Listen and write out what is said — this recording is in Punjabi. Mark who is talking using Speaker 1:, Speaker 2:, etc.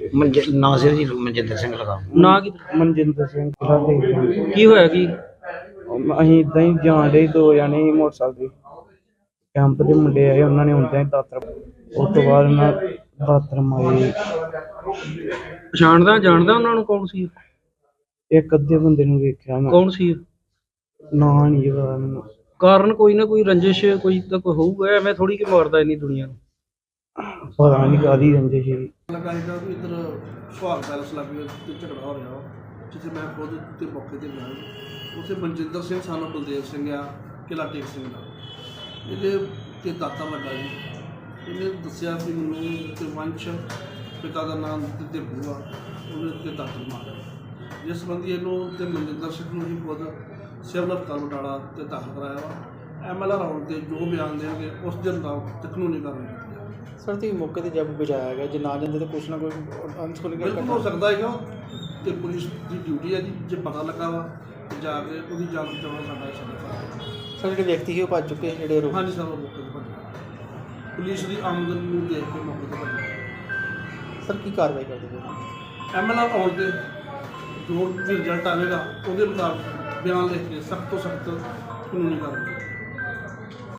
Speaker 1: ਨਾਸਿਰ ਜੀ ਮਨਜਿੰਦਰ ਸਿੰਘ ਲਗਾ
Speaker 2: ਨਾ ਕੀ
Speaker 3: ਮਨਜਿੰਦਰ ਸਿੰਘ ਕਿਹੜਾ
Speaker 2: ਕੀ ਹੋਇਆ ਕੀ?
Speaker 3: ਅਸੀਂ ਇਦਾਂ ਹੀ ਜਾਣ ਡੇ 2 ਜਣੇ ਸੀ ਮੋਟਰਸਾਈਕਲ ਤੇ। ਕੈਂਪ ਦੇ ਮੁੰਡੇ ਆਏ, ਉਹਨਾਂ ਨੇ ਹੁੰਦਿਆਂ ਹੀ ਦਾਤਰ, ਉਸ ਤੋਂ ਬਾਅਦ ਉਹਨਾਂ ਦਾਤਰ ਮਾਰੇ।
Speaker 2: ਜਾਣਦਾ ਉਹਨਾਂ ਨੂੰ? ਕੌਣ ਸੀ?
Speaker 3: ਇੱਕ ਅੱਧੇ ਬੰਦੇ ਨੂੰ ਵੇਖਿਆ ਮੈਂ,
Speaker 2: ਕੌਣ ਸੀ?
Speaker 3: ਨਾਂ ਨਹੀਂ ਪਤਾ ਮੈਨੂੰ।
Speaker 2: ਕਾਰਨ ਕੋਈ ਨਾ ਕੋਈ ਰੰਜਿਸ਼ ਕੋਈ ਤਾਂ ਕੋਈ ਹੋਊਗਾ, ਐਵੇਂ ਥੋੜੀ ਕਿ ਮਾਰਦਾ ਇੰਨੀ ਦੁਨੀਆ ਨੂੰ।
Speaker 3: ਪਤਾ ਨਹੀਂ ਕਾਹਦੀ ਰੰਜਿਸ਼ ਸੀ।
Speaker 4: ਲੱਗਾ ਸੀਗਾ ਵੀ ਇੱਧਰ ਸੁਹਾਗ ਪੈਲਸ ਲੱਗੇ ਤੇ ਝਗੜਾ ਹੋ ਰਿਹਾ ਵਾ, ਜਿੱਥੇ ਮੈਂ ਖੁਦ ਤੇ ਮੌਕੇ 'ਤੇ ਗਿਆ। ਉੱਥੇ ਮਨਜਿੰਦਰ ਸਿੰਘ ਸਾਨੂੰ ਬਲਦੇਵ ਸਿੰਘ ਆ, ਕਿਲ੍ਹਾ ਟੇਕ ਸਿੰਘ ਦਾ, ਇਹਦੇ ਤੇ ਦਾਤਾ ਵੱਡਾ ਜੀ। ਇਹਨੇ ਦੱਸਿਆ ਵੀ ਮੈਨੂੰ ਤੇ ਵੰਸ਼ ਪਿਤਾ ਦਾ ਨਾਮ ਤੇ ਬੂਆ, ਉਹਨੇ ਤੇ ਦਾਤਰ ਮਾਰਿਆ। ਜਿਸ ਸੰਬੰਧੀ ਇਹਨੂੰ ਤੇ ਮਨਜਿੰਦਰ ਸਿੰਘ ਨੂੰ ਹੀ ਖੁਦ ਸਿਵਲ ਹਸਪਤਾਲ ਬਟਾਲਾ ਤੇ ਦਾਖਲ ਕਰਾਇਆ ਵਾ। MLR ਆਉਣ 'ਤੇ ਜੋ ਬਿਆਨ ਦੇਣਗੇ ਉਸ ਦੇ ਮੁਤਾਬਕ ਕਾਨੂੰਨੀ ਕਾਰਵਾਈ
Speaker 5: ਸਰ ਤੁਸੀਂ ਮੌਕੇ 'ਤੇ ਜਦ ਬਚਾਇਆ ਗਿਆ, ਜੇ ਨਾ ਜਾਂਦੇ ਤਾਂ ਕੁਛ ਨਾ ਕੁਛ ਅਨਸੁਣੀ
Speaker 4: ਬਿਲਕੁਲ ਹੋ ਸਕਦਾ ਹੈਗਾ। ਤੇ ਪੁਲਿਸ ਦੀ ਡਿਊਟੀ ਹੈ ਜੀ, ਜੇ ਪਤਾ ਲੱਗਾ ਵਾ ਤੇ ਜਾ ਕੇ ਉਹਦੀ ਜਾਨ ਬਚਾਉਣਾ ਸਾਡਾ ਫਰਜ਼।
Speaker 5: ਸਰ ਜਿਹੜੇ ਵਿਅਕਤੀ ਸੀ ਉਹ ਭੱਜ ਚੁੱਕੇ ਜਿਹੜੇ ਆਰੋਪੀ?
Speaker 4: ਹਾਂਜੀ ਸਰ, ਉਹ ਮੌਕੇ 'ਤੇ ਭੱਜਿਆ, ਪੁਲਿਸ ਦੀ ਆਮਦਨ ਨੂੰ ਦੇਖ ਕੇ ਮੌਕੇ 'ਤੇ ਭੱਜਿਆ।
Speaker 5: ਸਰ ਕੀ ਕਾਰਵਾਈ ਕਰਦੇ ਪਏ?
Speaker 4: MLR ਆਉਣ 'ਤੇ ਜੋ ਵੀ ਰਿਜ਼ਲਟ ਆਵੇਗਾ ਉਹਦੇ ਮੁਤਾਬਕ ਬਿਆਨ ਲਿਖ ਕੇ ਸਖਤ ਤੋਂ ਸਖਤ ਕਾਨੂੰਨੀ ਕਾਰਵਾਈ।